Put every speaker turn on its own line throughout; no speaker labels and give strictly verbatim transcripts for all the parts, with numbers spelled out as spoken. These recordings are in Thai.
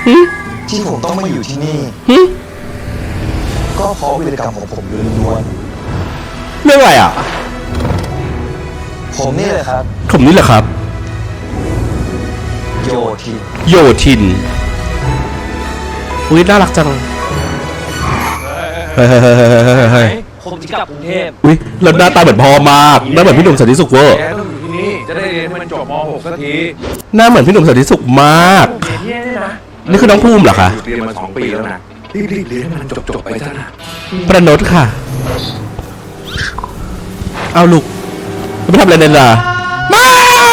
ที่ผมต้องมาอยู่ที่นี่ก็เพราะวีรกรรมของผมล้วน
เรื่องอะไรอ่ะ
ผมนี่แหละครับ
ผมนี่แหละครับ
โยทิน
โยทินอุ้ยน่ารักจังเฮ้ยเฮ้ยเฮ้ยเฮ้ย
ผมจะกลับกรุงเทพ
อุ้ยแล้วหน้าตาเหมือนพ่อมากหน้าเหมือนพี่หนุ่มสันติสุขเวอร์
แกต้องอยู่ที่นี่จะได้เรียนให้มันจบม .หก สักที
หน้าเหมือนพี่หนุ่มสันติสุขมากนี่คือน้องภูมิเหรอคะ
เรียนมาสองปีแล้วนะรีบๆเรียนให้มันจบๆไปซะนะ
ประนดค่ะเอาลูกไม่ทำอะไรเลยล่ะไม่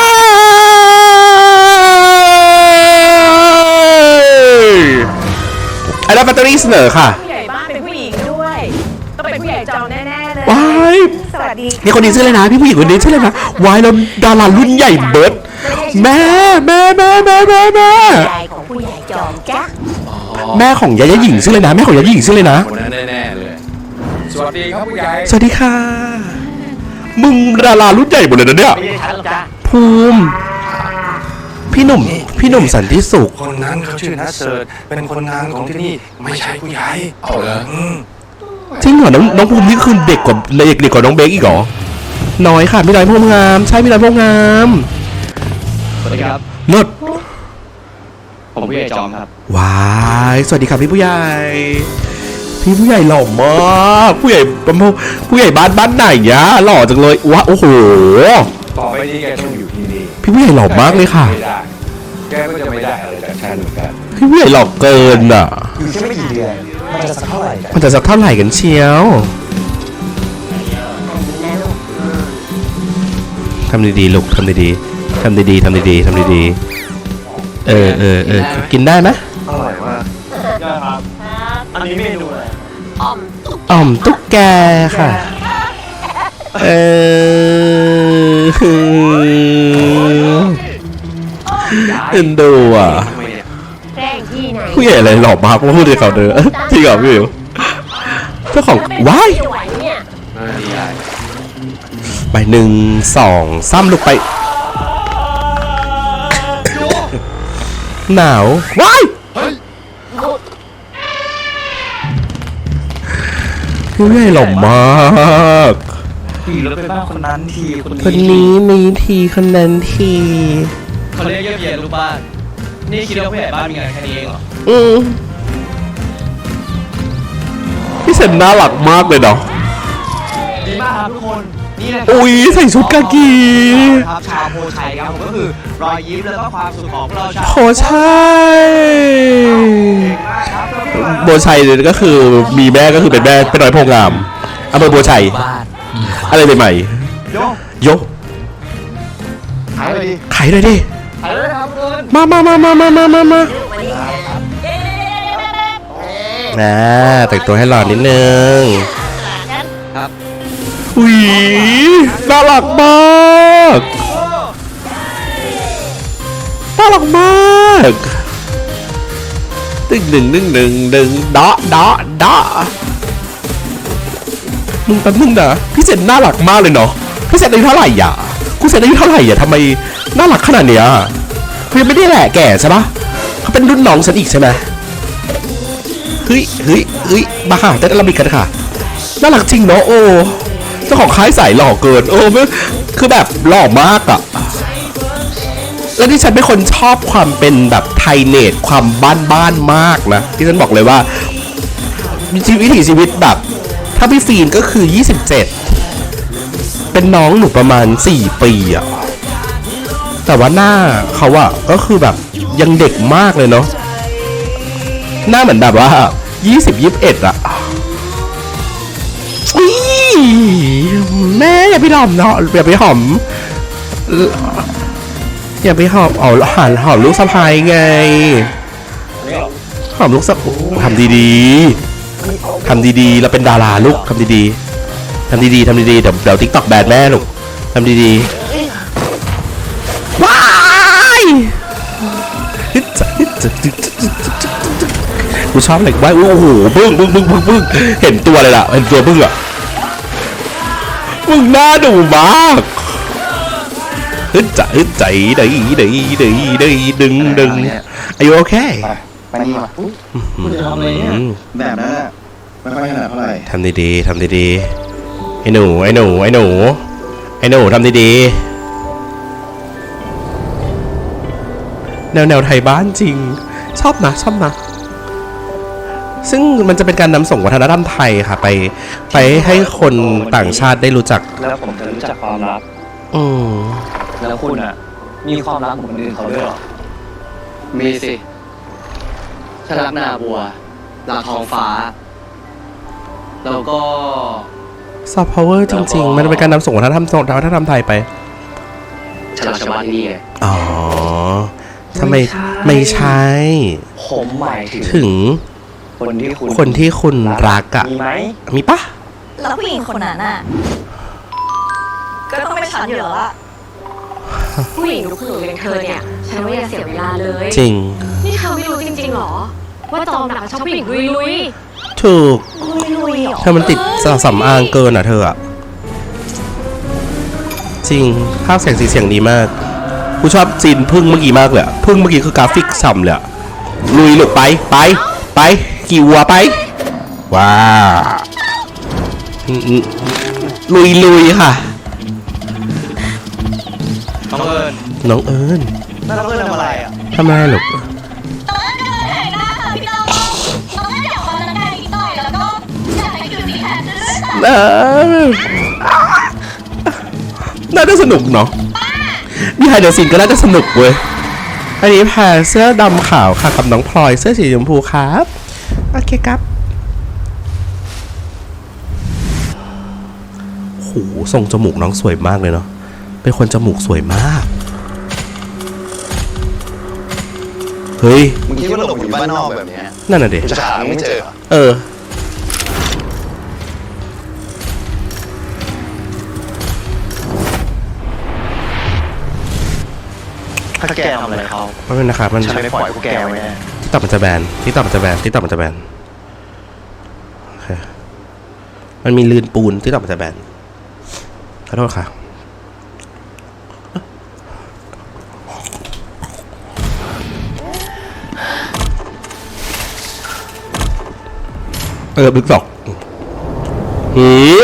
ไอ้รับแบตเตอรี่เสนอค่ะ
ผู้ใหญ่บ้านเป็นผู้หญิงด้วยต้องเป็นผู้ใหญ่จอมแน่ๆเลย
ว้าย
สวัสดี
นี่คนนี้ชื่ออะไรนะพี่ผู้หญิงคนนี้ชื่ออะไรนะวายแล้วดารารุ่นใหญ่เบิร์ดแม่แม่แม่แม่แม่แม่
ยายของผู้ใหญ่จอมจ้ะ
แม่ของยายาหญิงชื่อเลยนะแม่ของยายาหญิงชื่อเลยนะ
คนนั้นแน่ๆเลยสวัสดีครับผู้ใหญ่
สวัสดีค่ะมึงดารารุ่นใหญ่หมดเลยนะเนี่ยภูมิพี่หนุ่มพี่หนุ่มสันติสุข
คนนั้นเขาชื่อนัทเสิร์ชเป็นคนงานของที่นี่ไม่ใช่ผู้ใหญ่เอาเหรอ
จริงเหรอน้องน้องภูมินี่คือเด็กกว่าเด็กเด็กกว่าน้องเบคอีกเหรอน้อยค่ะพี่น้อยพวงงามใช่พี่น้อยพวงงาม
สวัสดีครับ
เลิศ
ผมผู้ใหญ่จอมครับ
ว้ายสวัสดีครับพี่ผู้ใหญ่พี่ผู้ใหญ่หล่อมากผู้ใหญ่ผู้ใหญ่บ้านบ้านไหนเนี่ยหล่อจังเลยว้าโอ้โห
ต่อไปนี้แกต้องอยู่ที่นี่
พี่ผู้ใหญ่หล่อมากเลยค่ะ
แกก็จะไม่ได้อะไรจากฉันเหมือนกัน
พี่ผู้ใหญ่หล่อเกินอ่ะ
อยู่แค่ไม่กี่เดือนมันจะสักเท่าไหร่กัน
มันจะสักเท่าไหร่กันเชียวทำดีๆลูกทำดีๆทำดีๆทำดีๆทำดีๆเออเออเออกินได้ไหม
อร่อยมาก
ครับอันนี้เมนูอะไร
อ่อมตุ๊กแกค่ะเออเอ็นดูอ่ะผู้ใหญ่อะไรหล่อมากพูดเลยเขาเด้อจริงเหรอพี่วิวเจ้าของว้ายไปหนึ่งสองซ้ำลูกไปหนาวว้ายผู้ใหญ่หล่อมาก
ทีแล้วไปบ้านคนนั้นที
คนนี้มีทีคนนั้นที
เขาเรียกเยี่ยมเยียนลูกบ้านนี่คิดว่าผู้ใหญ่บ้านมีงานแค่นี้เองเหรอ
อืมพี่เซนน่ารักมากเลยเนาะ
ดีมากครับทุกคนนี่นะ
อุ้ยใส่ชุดกากี
ครับชาวโพชัยครับผมก็คือรอยยิ้มแล้วก็ความสุขของเราชาว
โพชัยโพชัยก็คือมีแม่ก็คือเป็นแม่เป็นน้อยโพงามอำเภอโพชัยอะไรใหม่
ๆโย
โย
ขายเลยดิ
ขายเลยดิ
ขายเลยครับเพื่อน
มามามามามามามามานะแต่งตัวให้หล่อนิดนึง
ครับ
อุ้ยน่ารักมากน่ารักมากตึ้งหนึ่งหนึ่งหนึ่งหนึ่งดะดะดะมึงแป๊บนึงนะพี่เซนน่ารักมากเลยเนาะพี่เซนอายุเท่าไหร่อ่ะกูเซนอายุเท่าไหร่อ่ะทำไมน่ารักขนาดเนี้ยเขายังไม่ได้แหละแก่ใช่ปะเขาเป็นรุ่นน้องฉันอีกใช่ไหมเฮ้ยเฮ้ยเฮ้ยมาค่ะเต้นอาราบิกกันค่ะน่ารักจริงเนาะโอ้เจ้าของค่ายใส่หล่อเกินโอ้คือแบบหล่อมากอ่ะแล้วที่ฉันเป็นคนชอบความเป็นแบบไทยเนตความบ้านบ้านมากนะที่ฉันบอกเลยว่าชีวิตวิถีชีวิตแบบถ้าพี่ฟีนก็คือยี่สิบเจ็ดเป็นน้องหนูประมาณสี่ปีอ่ะแต่ว่าหน้าเขาอะก็คือแบบยังเด็กมากเลยเนาะหน้าเหมือนแบบว่ายี่สิบยี่สิบเอ็ดอะแม่อย่าไปหอมเนาะอย่าไปหอมอย่าไปหอมเอาหันหอมลูกสะพ้ายไงหอมลูกสะทำดีๆทำดีๆเราเป็นดาราลูกทำดีๆทำดีๆทำดีๆเดี๋ยวเดี๋ยวติ๊กต็อกแบนแม่ลูกทำดีๆว้ายกูชอบอะไรว้ายโอ้โหบึ้งบึ้งบึ้งบึ้งบึ้งเห็นตัวเลยล่ะเห็นตัวบึ้งอ่ะมึงน่าดูมากฮึดใจฮึดใจได้ได้ได้ได้ดึงดึงอายุโอเค
ไปนี่มาคุณจะทำอะไรเนี่ยแบบนั้นอะไม่ค่อยถนัดเท่าไหร่
ทำดีๆทำดีๆไอ้หนูไอ้หนูไอ้หนูไอ้หนูทำดีๆแนวแนวไทยบ้านจริงชอบนะชอบนะซึ่งมันจะเป็นการนำส่งวัฒนธรรมไทยค่ะไปไปให้คนต่างชาติได้รู้จัก
แล้วผมจะรู้จักความลับ
อืม
แล้วคุณอ่ะ มีความลับของคนอื่นเขาด้วยเหรอ
มีสิฉันรักนาบัวรักท้องฟ้า แล้วก็
ซอฟต์พาวเวอร์จริงๆมันเป็นการนำส่งวัฒนธรรมวัฒนธรรมไทยไป
ฉันรักชาวบ้านที่นี่ไง
อ๋อทำไมไม่ใช่
ผมหมายถึง
ถึง
คนที่คุณ
คนที่คุณรักอะ
มีไหม
มีปะ
แล้วผู้หญิงคนนั้นน่ะ ก็ต้องเป็นฉันอยู่แล้วล่ะ ผู้หญิงทุกคนหนูเลี้ยงเธอเนี่ย ฉันว่าอย่าเสียเวลาเลย
จริง
นี่เธอไม่รู้จริงๆหรอ ว่าจอมหนักชอบผู้หญิงลุยลุย
ถูก
ลุยลุยๆหรอ
เธอมันติดสำอางเกินอ่ะเธออ่ะ จริงภาพแสงสีเสียงดีมากกูชอบซีนพึ่งเมื่อกี้มากเลยอะพึ่งเมื่อกี้คือกราฟิกฉ่ำเลยอะลุยหลุดไปไปไปกี่วัวไปว้าอืมอืมลุยลุยค่ะ
น้องเอิญ
น้องเอิญ
น้องเอิญทำอะไรอ่ะ
ทำอะไรหรอก
ตอนนั้นก็เลยแต่งหน้าค่ะพี่น้องตอนนั้นเดี๋ยวออกกำลังกายนิดหน่อยแล้วก็อยากไปอยู่ที่แทนด้วยค่ะ
เออน่าจะสนุกเนาะมีไฮเดอร์ซินก็น่าจะสนุกเว้ยอันนี้แพรเสื้อดำขาวค่ะกับน้องพลอยเสื้อสีชมพูครับโอเคครับโหทรงจมูกน้องสวยมากเลยเนาะเป็นคนจมูกสวยมากเฮ้ย
มึงคิดว่าหลบอยู่บ้านนอกแบบเนี้ย
นั่นน่ะเด็
จะหาไม่เจอ
เออ
ถ้าแกทำอะไรเขา
ไม่เป็นนะครับมัน
ฉันไม่ปล่อยพวกแกไว้แน่
ที่ต่อมันจะแบนที่ต่อมันจะแบนที่ต่อมันจะแบนโอเคมันมีลื่นปูนที่ต่อมันจะแบนขอโทษค่ะเออบึกดอกหือ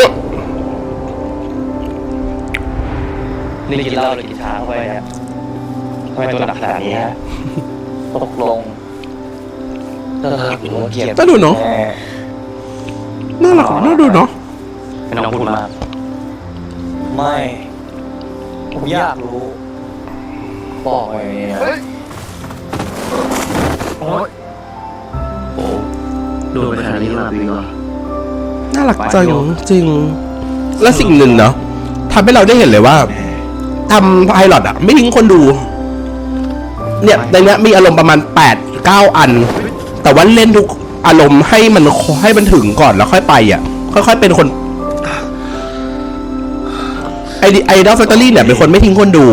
นี่กินเหล้าหรือกินชาเข้าไปเนี่ยทำไมตัวหนักขนาดนี้ฮะตกลงเธอหรือว่าเกลียด
น่าดูเนาะน่ารักน่าดูเนาะ
ไม่ต้องพูดมากไม่ ผมอยากรู้ บอกไว้เนี่ยโอ๊ยโอ้ดูไปขนาดนี้หลับดีกว่า
น่ารักจังจริง และสิ่งหนึ่งเนาะทำให้เราได้เห็นเลยว่าทำไพลอตอะไม่ทิ้งคนดู เนี่ยในเนี้ยมีอารมณ์ประมาณแปดเก้าอัน แต่ว่าเล่นทุกอารมณ์ให้มันให้มันถึงก่อนแล้วค่อยไปอ่ะ ค่อยๆเป็นคนไอไอดอลแฟคทอรี่เนี่ยเป็นคนไม่ทิ้งคนดู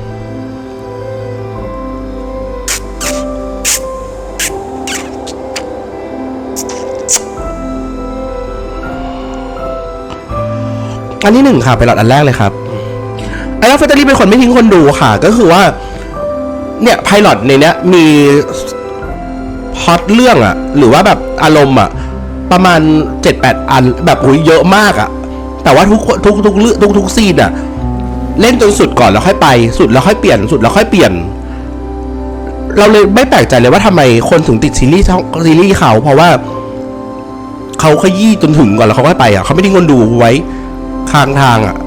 อันที่หนึ่งค่ะไพลอตอันแรกเลยครับไอดอลแฟคทอรี่เป็นคนไม่ทิ้งคนดูค่ะ ก็คือว่าเนี่ยไพลอตในเนี้ยมีพล็อตเรื่องอะหรือว่าแบบอารมณ์อะประมาณ เจ็ดแปด อันแบบโอ้ยเยอะมากอะแต่ว่าทุกทุกทุกเรื่องทุกทุกซีนอะเล่นจนสุดก่อนแล้วค่อยไปสุดแล้วค่อยเปลี่ยนสุดแล้วค่อยเปลี่ยน เราเลยไม่แปลกใจเลยว่าทำไมคนถึงติดซีรีส์ช่องซีรีส์เขาเพราะว่าเขาขยี้จนถึงก่อนแล้วเขาค่อยไปอะเขาไม่ทิ้งคนดูไว้ข้างทางอะ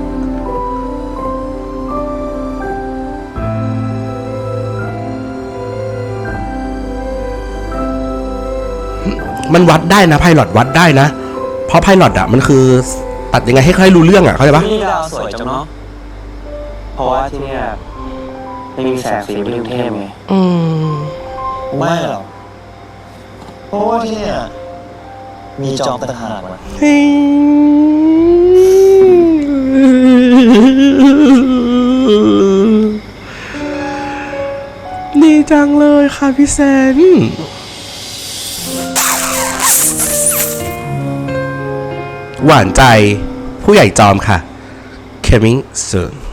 มันวัดได้นะไพลอตวัดได้นะเพราะไพลอตอ่ะมันคือตัดยังไงให้ใครรู้เรื่องอ่ะเข้าใจปะ
นี่ดาวสวยจังเนาะ เพราะว่าที่เนี่ยไม่มีแสงสีไม่กรุงเทพไง
อืม
ไม่หรอกเพราะว่าที่เนี่ยมีจอมต่างหากว่ะ
ดีจังเลยค่ะพี่แซนหวานใจผู้ใหญ่จอมค่ะ coming soon